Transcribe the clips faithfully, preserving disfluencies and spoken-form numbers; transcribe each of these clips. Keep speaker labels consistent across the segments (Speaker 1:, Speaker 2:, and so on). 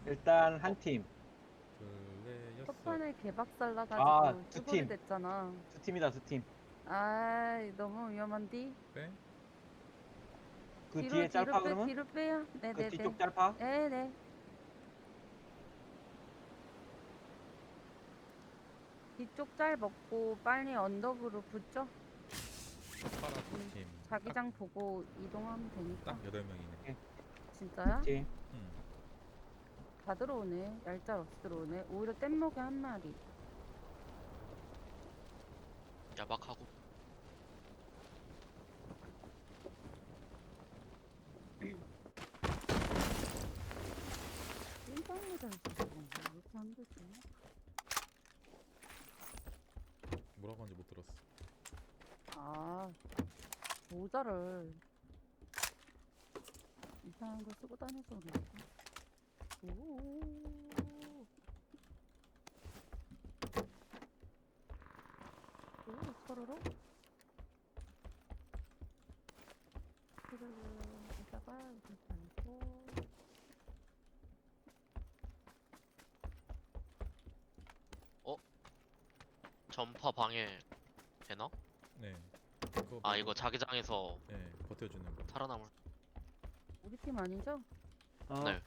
Speaker 1: 일단 한 팀.
Speaker 2: 둘, 넷, 여섯.
Speaker 3: 첫판에 개박살
Speaker 1: 아,
Speaker 3: 나가지고
Speaker 1: 두
Speaker 3: 쭈구리
Speaker 1: 팀.
Speaker 3: 됐잖아.
Speaker 1: 두 팀이다, 두 팀.
Speaker 3: 아이 너무 위험한디?
Speaker 2: 빼?
Speaker 1: 그
Speaker 3: 뒤로
Speaker 1: 뒤에
Speaker 3: 뒤로
Speaker 1: 짤파
Speaker 3: 빼
Speaker 1: 그러면?
Speaker 3: 뒤로 빼요.
Speaker 1: 그
Speaker 3: 네네네.
Speaker 1: 뒤쪽 짤파?
Speaker 3: 네네. 뒤쪽 짤 먹고 빨리 언덕으로 붙죠.
Speaker 2: 파라 두
Speaker 3: 음,
Speaker 2: 팀.
Speaker 3: 자기장 보고 이동하면 되니까.
Speaker 2: 딱 여덟 명이네.
Speaker 3: 진짜야?
Speaker 1: 팀.
Speaker 2: 응.
Speaker 3: 다 들어오네. 얄짤 없이 들어오네. 오히려 뗏목에 한 마리.
Speaker 4: 야박하고.
Speaker 3: 찐빵모자를 쓰는 건가? 왜 이렇게 안 되지?
Speaker 2: 뭐라고 하는지 못 들었어.
Speaker 3: 아, 모자를 이상한 걸 쓰고 다녀서 그런가? 오. 오, 서로로? 이러다가 이렇게 달고
Speaker 4: 전파 방해 되나?
Speaker 2: 네. 그거
Speaker 4: 아
Speaker 2: 말고-
Speaker 4: 이거 자기장에서
Speaker 2: 네, 버텨주는 거.
Speaker 4: 살아남을.
Speaker 3: 우리 팀 아니죠?
Speaker 1: 어.
Speaker 4: 네.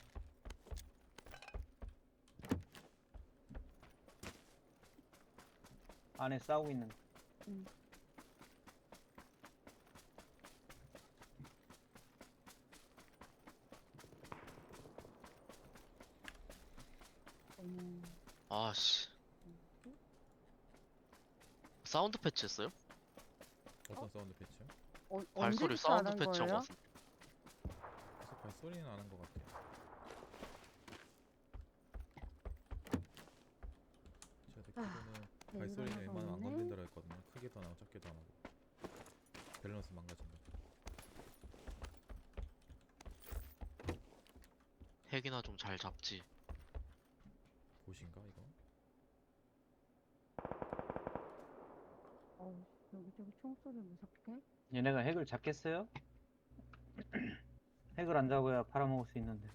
Speaker 1: 안에 싸우고 있는 거.
Speaker 3: 응. 음,
Speaker 4: 아씨. 사운드 패치 했어요?
Speaker 2: 어떤
Speaker 3: 어?
Speaker 2: 사운드 패치요?
Speaker 3: 어,
Speaker 4: 발소리
Speaker 3: 언제부터 안
Speaker 4: 사운드
Speaker 3: 한
Speaker 4: 패치한 것
Speaker 3: 거예요?
Speaker 4: 같은데.
Speaker 2: 계속 발소리는 나는 것 같아요. 제가 듣기로는
Speaker 3: 네,
Speaker 2: 발소리는
Speaker 3: 일어나서
Speaker 2: 웬만하면 안
Speaker 3: 오네.
Speaker 2: 건든다고 했거든요. 크게도 안 하고 작게도 안 하고. 밸런스 망가진다.
Speaker 4: 핵이나 좀 잘 잡지.
Speaker 2: 보신가 이거?
Speaker 3: 어, 여기저기 총소리 무섭게.
Speaker 1: 얘네가 핵을 잡겠어요? 핵을 안 잡아야 팔아먹을 수 있는데.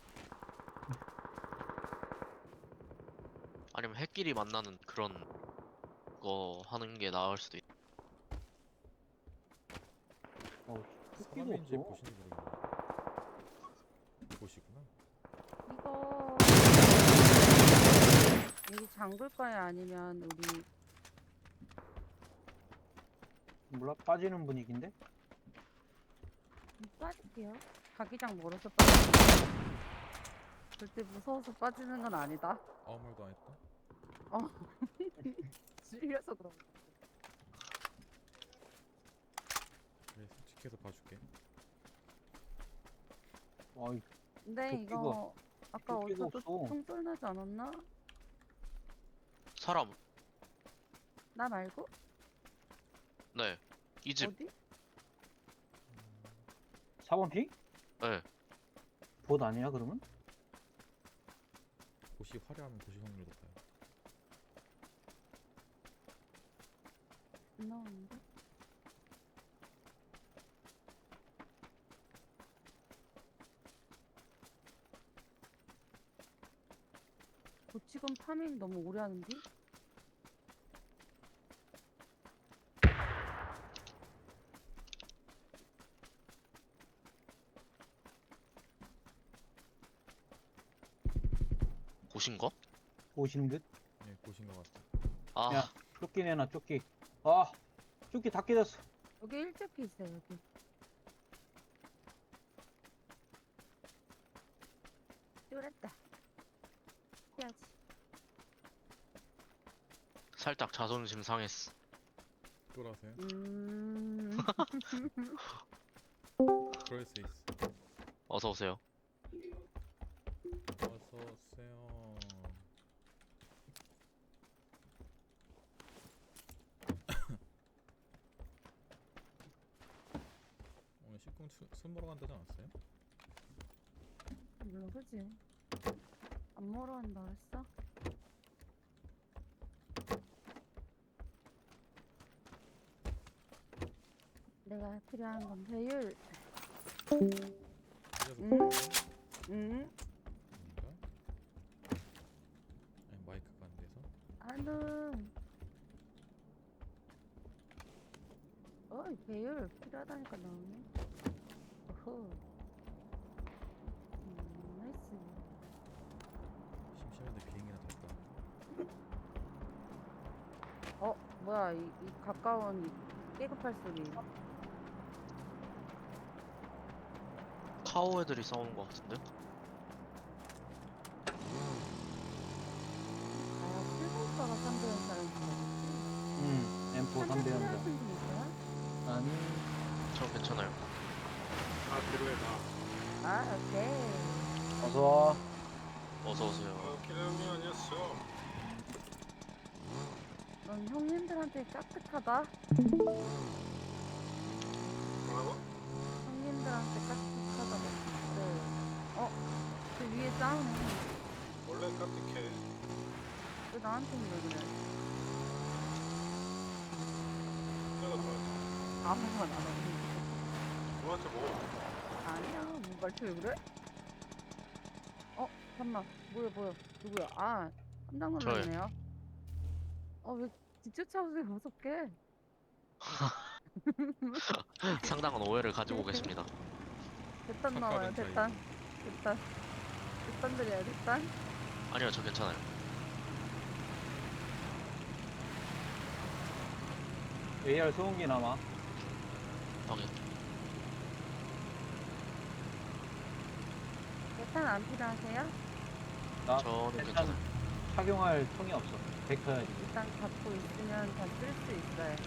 Speaker 4: 아니면 핵끼리 만나는 그런 거 하는 게 나을 수도 있.
Speaker 1: 어, 토끼도
Speaker 2: 사람인지
Speaker 1: 없어.
Speaker 2: 보신지 모르겠네. 보시구나.
Speaker 3: 이거 여기 잠글까요? 아니면 우리
Speaker 1: 몰라? 빠지는 분위기인데?
Speaker 3: 빠질게요. 자기장 멀어서 빠지는 절대 무서워서 빠지는 건 아니다.
Speaker 2: 아무 말도 안 했다.
Speaker 3: 어. 질려서 그런 거.
Speaker 2: 그래, 솔직해서 봐줄게.
Speaker 1: 어이,
Speaker 3: 근데
Speaker 1: 도끼가-
Speaker 3: 이거 아까
Speaker 1: 도끼가
Speaker 3: 어디서 또
Speaker 1: 없어.
Speaker 3: 총소리 나지 않았나?
Speaker 4: 사람.
Speaker 3: 나 말고?
Speaker 4: 네. 이 집.
Speaker 3: 어디?
Speaker 1: 사 번 핑?
Speaker 4: 네.
Speaker 1: 봇 아니야, 그러면?
Speaker 2: 보시 화려하면 보시 확률 높아요.
Speaker 3: 안 나오는데? 고치건 파밍 너무 오래 하는데?
Speaker 4: 보신 거?
Speaker 1: 보시는 듯?
Speaker 2: 네, 보신 것 같아.
Speaker 4: 아.
Speaker 1: 야. 쫓기 내놔, 쫓기. 아, 쫓기 다 깨졌어.
Speaker 3: 여기 일찍 있어요, 여기. 쫄았다. 해야지.
Speaker 4: 살짝 자존심 상했어.
Speaker 2: 쫄아세요?
Speaker 3: 음.
Speaker 2: 그럴 수 있어.
Speaker 4: 어서 오세요.
Speaker 2: 어서 오세요. 오늘 식품 수, 술 먹으러 간다지 않았어요?
Speaker 3: 몰라, 그지? 안 먹으러 한다 했어? 내가 필요한 건 배율.
Speaker 2: 그래서
Speaker 3: 응?
Speaker 2: 그런가?
Speaker 3: 응?
Speaker 2: 아닌가?
Speaker 3: 나는 어이 배율 필요하다니까 나오네. 어허. 음, 나이스.
Speaker 2: 심심한데 비행기나 탈까?
Speaker 3: 어 뭐야 이, 이 가까운 이 깨급할 소리.
Speaker 4: 카오 애들이 싸우는 것 같은데?
Speaker 3: 아 실버오빠가 상대한 사람인 줄 알았지.
Speaker 1: 응, 엠포 삼 대
Speaker 3: 필요하신
Speaker 1: 연자.
Speaker 3: 분 있어요?
Speaker 1: 아니,
Speaker 4: 저 괜찮아요.
Speaker 5: 아 필요해 나.
Speaker 3: 아 오케이.
Speaker 1: 어서와.
Speaker 4: 어서 오세요.
Speaker 5: 아 기다림이 아니었어.
Speaker 3: 넌 형님들한테 깍듯하다.
Speaker 5: 뭐라고?
Speaker 3: 형님들한테 깍듯하다고. 네. 어? 그 위에 싸우네.
Speaker 5: 원래 깜찍해.
Speaker 3: 왜 나한테는 왜 그래?
Speaker 5: 내가 좋아하지.
Speaker 3: 아무 말 안 하고.
Speaker 5: 너한테 뭐?
Speaker 3: 아니야, 뭐 말투 왜 그래? 어, 잠깐만, 뭐야, 뭐야, 누구야? 아, 깜짝
Speaker 4: 저요.
Speaker 3: 놀랐네요. 어, 왜 뒷쫓아오세요, 무섭게?
Speaker 4: 상당한 오해를 가지고 계십니다.
Speaker 3: 대탄 나와요,
Speaker 2: 착각은
Speaker 3: 대탄. 대탄. 대탄 드려요, 대탄.
Speaker 4: 아니요, 저 괜찮아요.
Speaker 1: 에이알 소음기 남아.
Speaker 4: 확인.
Speaker 3: 대탄 안 필요하세요?
Speaker 1: 나
Speaker 4: 저는
Speaker 1: 일단
Speaker 4: 괜찮아요.
Speaker 1: 착용할 통이 없어. 벡터야지.
Speaker 3: 일단 갖고 있으면 다 쓸 수 있어요.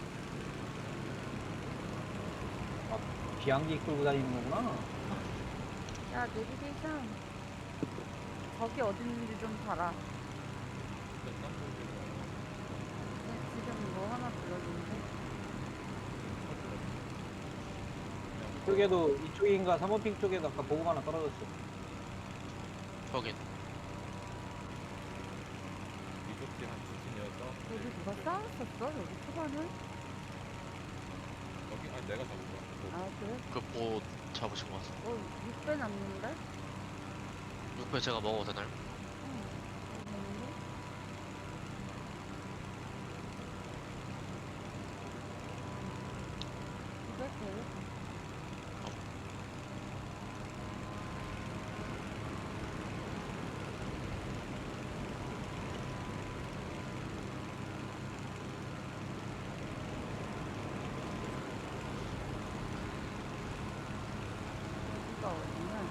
Speaker 1: 비행기 끌고 다니는 거구나.
Speaker 3: 야, 내비게이션. 거기 어디 있는지 좀 봐라.
Speaker 2: 됐나?
Speaker 3: 네, 지금 뭐 하나 불러주는데?
Speaker 1: 이쪽에도 이쪽인가 삼 번 핑 쪽에도 아까 보급 하나 떨어졌어.
Speaker 4: 확인.
Speaker 2: 이쪽이 한 두팀이어서
Speaker 3: 여기 누가 싸웠었어? 여기 초반에?
Speaker 2: 여기 아니 내가 잡은 거야.
Speaker 3: 아, 그래?
Speaker 4: 그 뭐 잡으신 것 같습니다.
Speaker 3: 어, 육 배 남는데?
Speaker 4: 육 배 제가 먹어도 되나요?
Speaker 3: 응. 되는데? 이거 돼요? 여기가 어디냐?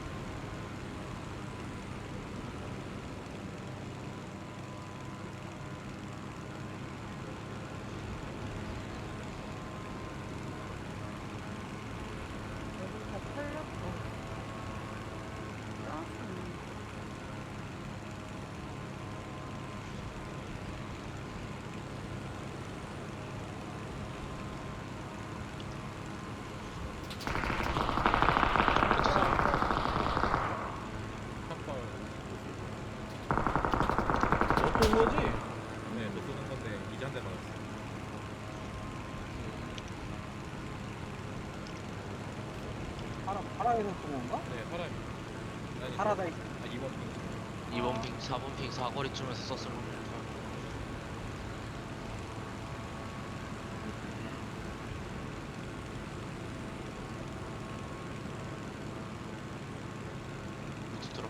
Speaker 3: 여기 다 털렸고. 싸웠었네.
Speaker 2: 샷발.
Speaker 1: 너 쏜 거지?
Speaker 2: 네, 너 쏘는 건데 이제 한 대 맞았어.
Speaker 1: 파라, 파라에서 쏜 건가?
Speaker 2: 네, 파라미. 아니,
Speaker 1: 파라다이스.
Speaker 2: 아, 이번 핑.
Speaker 4: 이 번 핑, 사 번 핑 사거리쯤에서 썼을 겁니다. 밑에 들어.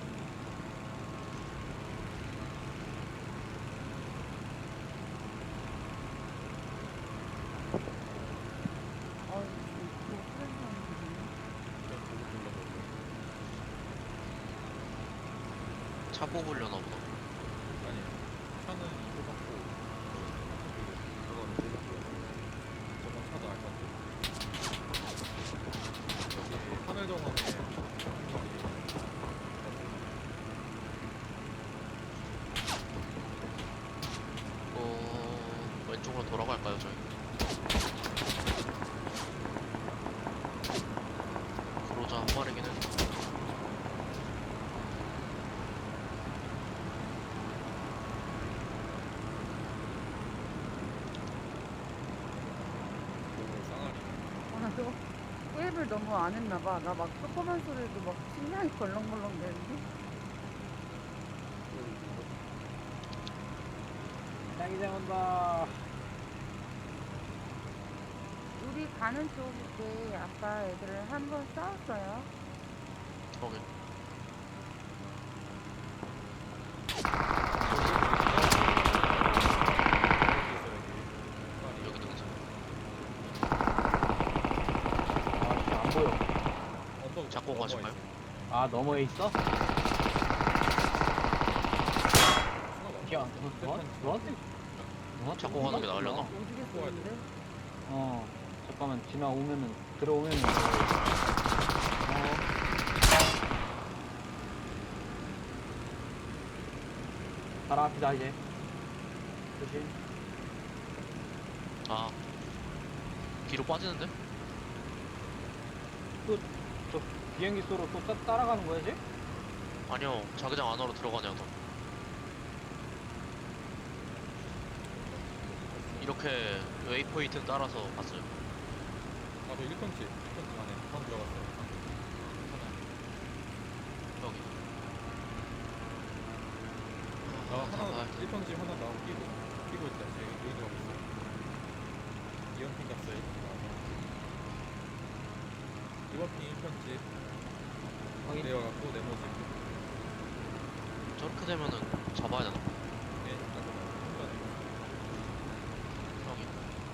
Speaker 3: 어, 이거 프렌즈하는
Speaker 2: 그냥 보고 불러보고.
Speaker 4: 차 뽑으려나 보다.
Speaker 2: 아니, 차는 이거 받고 그건 보고 불러. 저건 차도 알 것 같아. 여기 하늘 정원에
Speaker 4: 어... 왼쪽으로 돌아갈까요, 저희? 그로자 한 마리긴 해.
Speaker 2: 보고 쌍알이.
Speaker 3: 아, 너 게임을 너무 안 했나봐. 나 막 조그만 소리도 막 심장이 벌렁벌렁 되는데?
Speaker 1: 자기장 온다.
Speaker 3: 우리 가는 쪽에 아까 애들 한 번 싸웠어요.
Speaker 4: 거기. 여기 등산.
Speaker 1: 아, 안 보여.
Speaker 2: 언덕
Speaker 4: 잡고
Speaker 2: 넘어와
Speaker 4: 가실까요?
Speaker 2: 있어요.
Speaker 1: 아, 너머에 있어?
Speaker 2: 수납
Speaker 1: 야,
Speaker 2: 없어.
Speaker 1: 너, 너, 너한테, 너한테
Speaker 4: 잡고 가는 게 나으려나?
Speaker 3: 오지게
Speaker 2: 뽑아야
Speaker 3: 쏘는데?
Speaker 1: 어, 잠깐만, 지나오면은, 들어오면은. 어, 바로 앞이다, 이제. 조심.
Speaker 4: 아. 뒤로 빠지는데?
Speaker 1: 저 비행기 쏘러 또 따, 따라가는 거야, 이제?
Speaker 4: 아니요. 자기장 안으로 들어가네요, 더. 이렇게 웨이포인트 따라서 갔어요.
Speaker 2: 아, 저 일 평집, 일 평집 안에 방 들어갔어요. 하나.
Speaker 4: 여기.
Speaker 2: 아, 하나,
Speaker 4: 아,
Speaker 2: 일 평집 하나 나오고 끼고, 끼고 있다. 지금 여기 들어가고 있어요. 이원핑 갔어요. 이원핑 일 평집
Speaker 1: 확인.
Speaker 2: 내려갔고, 네모집.
Speaker 4: 저렇게 되면은 잡아야 되나?
Speaker 2: 네, 일단 한번
Speaker 4: 여기.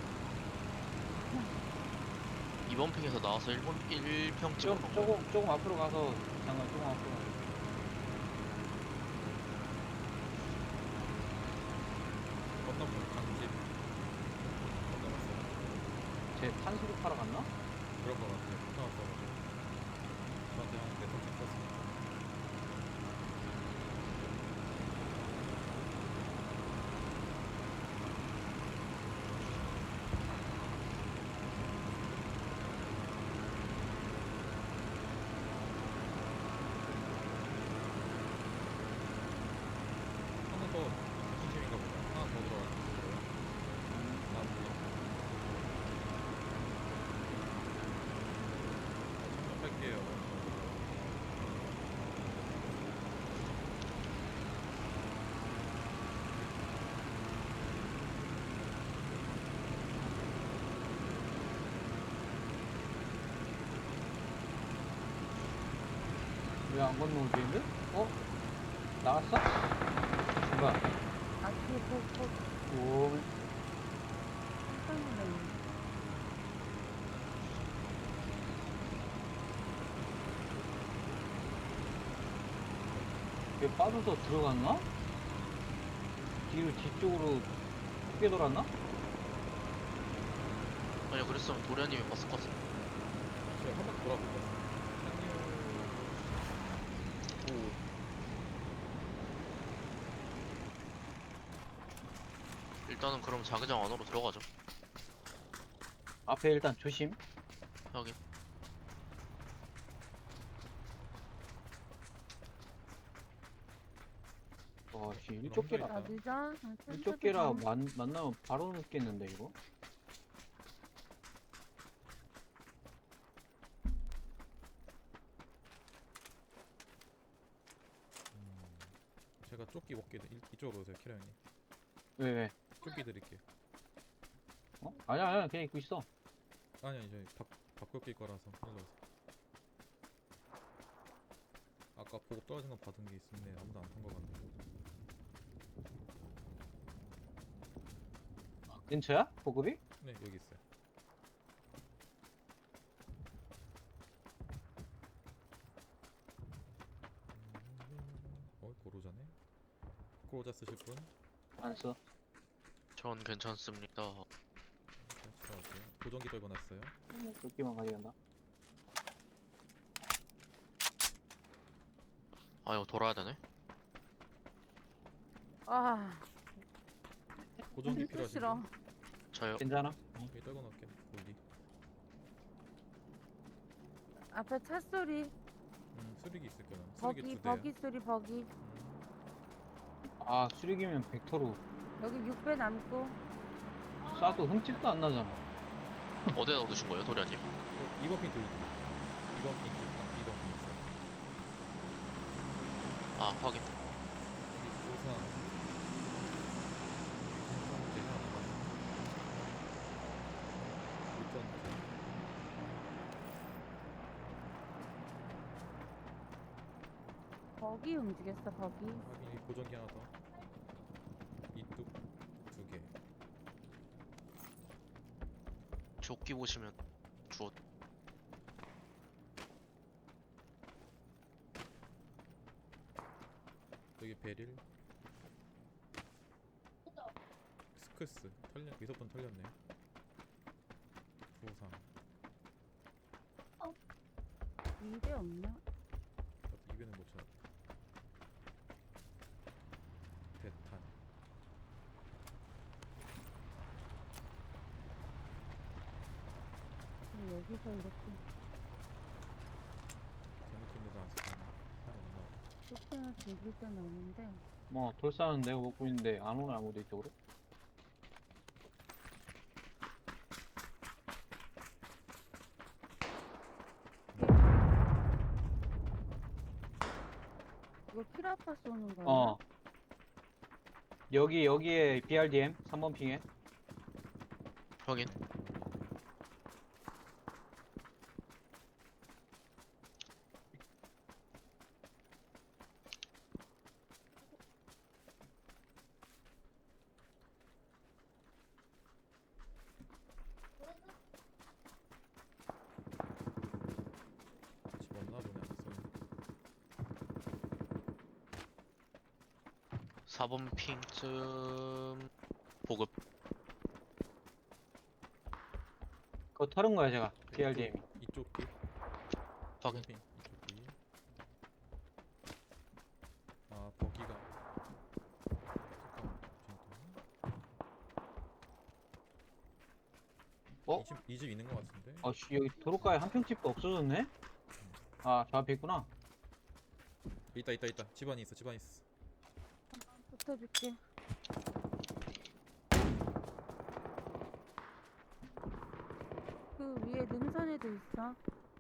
Speaker 4: 이번 핑에서 나와서 일본 일 평 찍은
Speaker 1: 좀,
Speaker 4: 거.
Speaker 1: 조금, 조금 앞으로 가서, 잠깐, 조금 앞으로 가서.
Speaker 2: 건너편 강집 건너갔어요.
Speaker 1: 쟤 탄수로 팔아 갔나?
Speaker 2: 그럴 것 같아요. 나왔어가지고 저한테 한 네트워크 썼어요. 하나 더 진심인가 보다. 하나 더 들어갔어요. 아, 몰라. 잠깐 뺄게요.
Speaker 1: 왜 안 건너오지, 근데? 어? 나갔어? 뭐야?
Speaker 3: 아, 뒤에 폭, 폭,
Speaker 1: 오,
Speaker 3: 깜짝 놀랐네.
Speaker 1: 얘 빠져서 들어갔나? 뒤로, 뒤쪽으로 크게 돌았나?
Speaker 4: 아니요, 그랬으면 도련님이 봤을 것 같아.
Speaker 2: 제가 한 바퀴 돌아볼 것 같아요. 오.
Speaker 4: 일단은 그럼 자기장 안으로 들어가죠.
Speaker 1: 앞에 일단 조심.
Speaker 4: 여기.
Speaker 1: 와, 씨, 일쪽 개라.
Speaker 3: 아, 늦어?
Speaker 1: 일쪽 개라 만, 만나면 바로 늦겠는데, 이거?
Speaker 2: 음, 제가 조끼 먹게 돼. 이- 이쪽으로 오세요, 키라 형님.
Speaker 1: 왜, 왜?
Speaker 2: 조끼 드릴게요.
Speaker 1: 어? 아니야, 아니야, 그냥 입고 있어.
Speaker 2: 아니, 아니, 저희 바, 바꿔 낄 거라서 일로 오세요. 아까 보급 떨어진 거 받은 게 있는데 아무도 안 탄 거 같네.
Speaker 1: 근처야? 보급이?
Speaker 2: 네, 여기 있어요. 어, 고로자네. 고로자 쓰실 분?
Speaker 1: 안 써.
Speaker 4: 전 괜찮습니다.
Speaker 2: 네, 들어가세요. 보정기 떨궈 놨어요.
Speaker 1: 조끼만 가져간다.
Speaker 4: 아, 이거 돌아야 되네.
Speaker 3: 아,
Speaker 2: 보정기
Speaker 3: 또
Speaker 2: 필요하신
Speaker 3: 싫어.
Speaker 2: 분?
Speaker 4: 저요.
Speaker 1: 괜찮아?
Speaker 2: 여기 떨궈 놓을게. 여기.
Speaker 3: 앞에 차 소리,
Speaker 2: 음, 수리기 있을 거야. 수리기
Speaker 3: 버기,
Speaker 2: 두 대야.
Speaker 3: 버기 소리, 버기.
Speaker 2: 음,
Speaker 1: 아, 수리기면 벡터로
Speaker 3: 여기 육 배 남고.
Speaker 1: 쏴도 흠집도 안 나잖아.
Speaker 4: 어디다 넣으신 거예요, 도련님?
Speaker 2: 어, 이번 핑 돌리기. 이번 핑 있다. 이번 핑 있어.
Speaker 4: 아, 확인.
Speaker 2: 여기 우산.
Speaker 3: 거기 움직였어 거기.
Speaker 2: 확인. 보정기 하나 더. 이뚝 두 개.
Speaker 4: 조끼 보시면 주워.
Speaker 2: 여기 베릴. 스크스 털렸. 미소폰 털렸네. 부상.
Speaker 3: 이대 없나?
Speaker 2: 나도 이변을 못 찾았다. 대탄.
Speaker 3: 음, 여기서 이렇게
Speaker 2: 잘못된 데도 안 쓰잖아. 하나 못 나와.
Speaker 3: 쇼핑을 즐길 때는 없는데.
Speaker 1: 뭐 돌 쌓는 데가 먹고 있는데 안 오네 아무도 이쪽으로.
Speaker 3: 이거 키라파 쏘는 거야?
Speaker 1: 어. 여기 여기에 비알디엠 삼 번 핑에.
Speaker 4: 확인.
Speaker 2: 집 없나 보네. 안 써.
Speaker 4: 사 번 핑쯤 보급.
Speaker 1: 그거 털은 거야 제가. 비알디엠이.
Speaker 2: 이쪽 뒤.
Speaker 4: 확인.
Speaker 2: 핑. 이쪽 뒤. 아 버기가.
Speaker 1: 어?
Speaker 2: 이집 이 집 있는 것 같은데.
Speaker 1: 아씨 여기 도로가에 한 평집도 없어졌네. 아 저 앞에 있구나.
Speaker 2: 있다 있다 있다. 집 안에 있어. 집 안에 있어.
Speaker 3: 붙어줄게. 그 위에 능선에도 있어.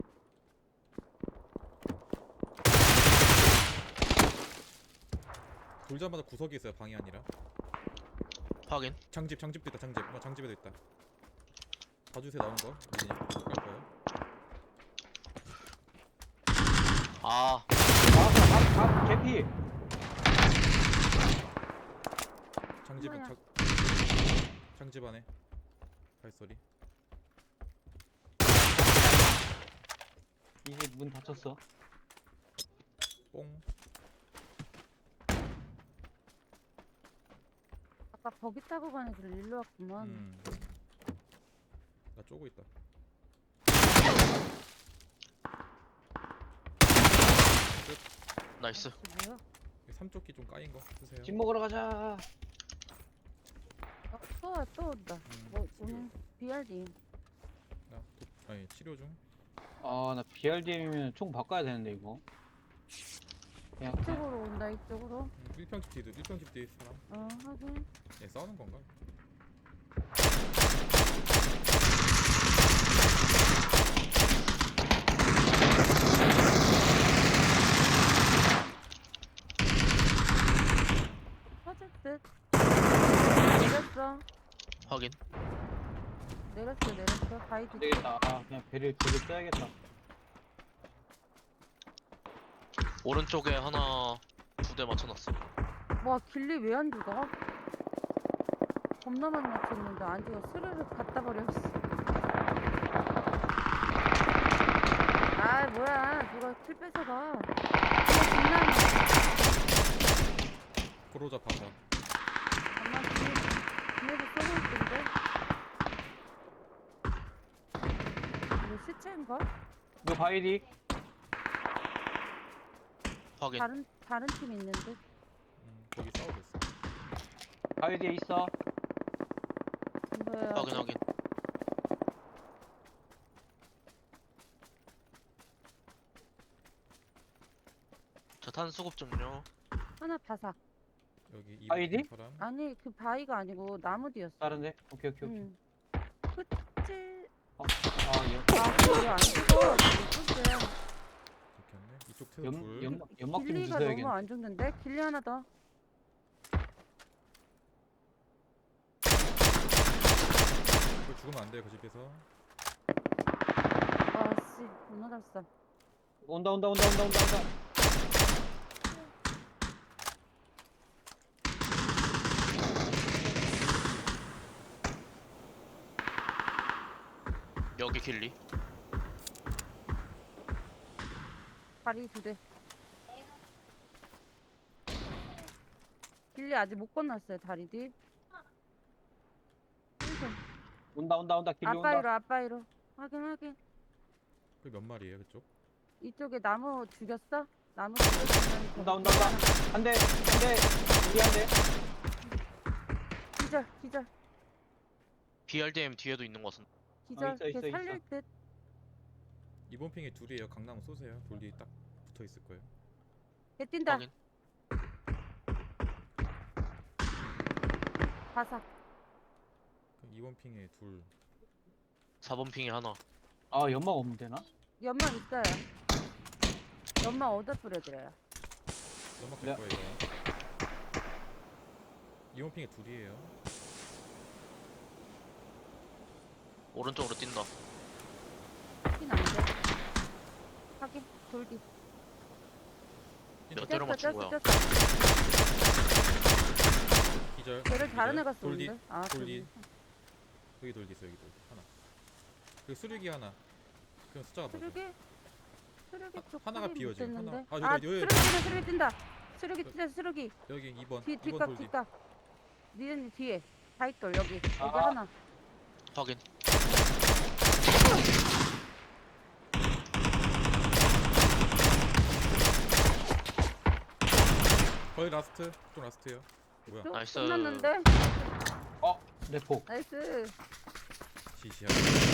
Speaker 2: 돌자마자 구석이 있어요. 방이 아니라.
Speaker 4: 확인.
Speaker 2: 장집 장집도 있다. 장집. 어, 장집에도 있다. 봐주세요 나온 거. 우진이 갈 거예요.
Speaker 4: 아,
Speaker 1: 나왔어. 밥, 밥, 개피.
Speaker 2: 장집은
Speaker 3: 뭐야?
Speaker 2: 장 장집 안에 발소리.
Speaker 1: 이제 문 닫혔어.
Speaker 2: 뽕.
Speaker 3: 아까 버기 타고 가는 길 일로 왔구만.
Speaker 2: 음. 나 쪼고 있다.
Speaker 4: 나이스.
Speaker 3: 혹시 뭐야?
Speaker 2: 삼쪽기 좀 까인 거 쓰세요.
Speaker 1: 집 먹으러 가자.
Speaker 3: 어, 또, 와, 또 온다.
Speaker 2: 음,
Speaker 3: 뭐,
Speaker 2: 치료.
Speaker 3: 오늘 비알디.
Speaker 2: 나 도, 아니 치료 중.
Speaker 1: 아 나 비알디엠이면 총 바꿔야 되는데 이거. 그냥 그냥
Speaker 3: 이쪽으로 온다, 이쪽으로.
Speaker 2: 음, 일 평집 뒤도 일 평집 뒤에 사람.
Speaker 3: 어, 하긴.
Speaker 2: 얘 싸우는 건가?
Speaker 3: 터질 듯. 내렸어.
Speaker 4: 확인.
Speaker 3: 내렸어, 내렸어. 바이디.
Speaker 1: 안 되겠다. 아 그냥 배를 배를 써야겠다.
Speaker 4: 오른쪽에 하나 두 대 맞춰놨어.
Speaker 3: 와, 길리 왜 안 죽어? 겁나 많이 맞췄는데 안 죽어. 스르륵 갖다 버렸어. 아, 뭐야. 누가 킬 뺏어가. 이거 장난이야.
Speaker 2: 고로자 바다.
Speaker 3: 엄마 뒤에, 뒤에서 쏘고 있던데? 이거 시체인가?
Speaker 1: 이거 바이디.
Speaker 4: 확인.
Speaker 3: 다른, 다른 팀 있는데?
Speaker 2: 음, 거기 싸우고 있어.
Speaker 1: 바이디에 있어.
Speaker 3: 이거야.
Speaker 4: 확인 확인. 저탄 수급 좀요.
Speaker 3: 하나 바삭.
Speaker 2: 여기 이
Speaker 1: 아이디?
Speaker 2: 사람.
Speaker 3: 아니, 그 바위가 아니고 나무 뒤였어.
Speaker 1: 다른데? 오케이 오케이 오케이.
Speaker 3: 응. 그치.
Speaker 1: 아 연,
Speaker 3: 아, 그거 안 죽어. 그치.
Speaker 2: 들켰네. 이쪽 태도
Speaker 1: 연,
Speaker 2: 둘.
Speaker 1: 연막 연막 좀
Speaker 3: 길리가
Speaker 1: 주셔야겠네.
Speaker 3: 너무 안 죽는데? 길리 하나 더.
Speaker 2: 이거 죽으면 안 돼요 그 집에서.
Speaker 3: 아씨, 겁나 잘 써.
Speaker 1: 온다 온다 온다 온다 온다 온다.
Speaker 4: 여기 길리.
Speaker 3: 다리 두 대. 길리 아직 못 건넜어요, 다리 뒤.
Speaker 1: 온다 온다 온다 길리 온다.
Speaker 3: 아빠이로, 아빠이로. 확인, 확인.
Speaker 2: 그게 몇 마리예요 그쪽?
Speaker 3: 이쪽에 나무 죽였어? 나무 죽였으면
Speaker 1: 온다 온다 온다. 한 대, 한 대, 우리 한 대.
Speaker 3: 기절, 기절,
Speaker 4: 비알디엠 뒤에도 있는 것 같은데.
Speaker 3: 기절.
Speaker 1: 있어, 있어,
Speaker 3: 걔
Speaker 1: 있어.
Speaker 3: 살릴 듯.
Speaker 2: 이번 핑에 둘이에요. 강나무 쏘세요. 돌리 딱 붙어 있을 거예요.
Speaker 3: 걔 뛴다.
Speaker 4: 확인.
Speaker 3: 바삭.
Speaker 2: 그럼 이번 핑에 둘.
Speaker 4: 사 번 핑에 하나.
Speaker 1: 아 연막 없면 되나?
Speaker 3: 연막 있어요. 연막 어디다 뿌려드려요?
Speaker 2: 넘어갈
Speaker 1: 네.
Speaker 2: 거예요. 이번 핑에 둘이에요.
Speaker 4: 오른쪽으로 뛴다.
Speaker 3: 확인 안 돼. 확인. 돌기.
Speaker 4: 몇 대로 맞춘 거야?
Speaker 3: 쪘어.
Speaker 2: 기절.
Speaker 3: 걔를 다른
Speaker 2: 기절.
Speaker 3: 애가
Speaker 2: 돌리.
Speaker 3: 쏘는데? 아,
Speaker 2: 돌리.
Speaker 3: 돌리.
Speaker 2: 여기 돌리 있어. 여기 돌리 하나. 그리고 수륙이 하나. 그럼 숫자가 뭐죠?
Speaker 3: 수륙이? 수륙이
Speaker 2: 하-
Speaker 3: 쪽
Speaker 2: 하나가
Speaker 3: 확인
Speaker 2: 비어져,
Speaker 3: 못했는데?
Speaker 2: 하나. 아,
Speaker 3: 아,
Speaker 2: 여기, 여기.
Speaker 3: 수륙이 뛴다, 수륙이 뛴다. 수륙이 뛴다, 수륙이.
Speaker 2: 여기 이 번.
Speaker 3: 뒤,
Speaker 2: 이 번
Speaker 3: 뒷각,
Speaker 2: 돌리.
Speaker 3: 뒷각. 니은 뒤에. 다이돌 여기. 여기
Speaker 1: 아.
Speaker 3: 하나.
Speaker 4: 확인.
Speaker 2: 거의 라스트. 좀 라스트예요. 뭐야?
Speaker 3: 쭉
Speaker 4: 나이스.
Speaker 3: 끝났는데?
Speaker 1: 어, 내포.
Speaker 3: 나이스.
Speaker 2: 지시하고.